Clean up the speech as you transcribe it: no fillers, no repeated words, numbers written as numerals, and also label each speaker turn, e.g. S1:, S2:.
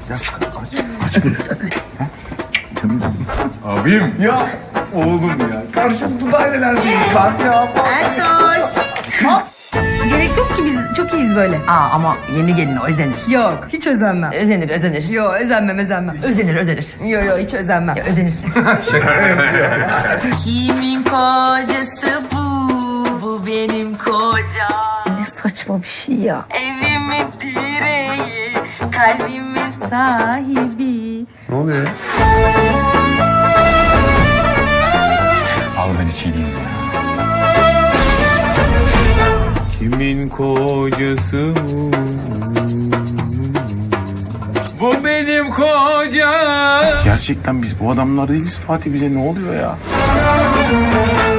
S1: Abim.
S2: Ya oğlum ya. Karşılıklı dairelerdeyiz. Bak ya.
S3: Ertoş. Gerek yok ki, biz çok iyiyiz böyle.
S4: Ama yeni gelin o özenir.
S3: Yok, hiç özenmem.
S4: Özenir.
S3: Yok, özenmem.
S4: Özenir.
S3: Yok, hiç özenmem.
S4: Özenirsin. Kimin kocası bu? Bu benim kocam.
S3: Ne saçma bir şey ya.
S4: Evimin direği, kalbimin sahibi.
S1: Ne oluyor ya? Abi ben hiç iyi değilim ya. Kimin kocası bu? Bu benim kocam. Gerçekten biz bu adamlar değiliz Fatih, bize ne oluyor ya?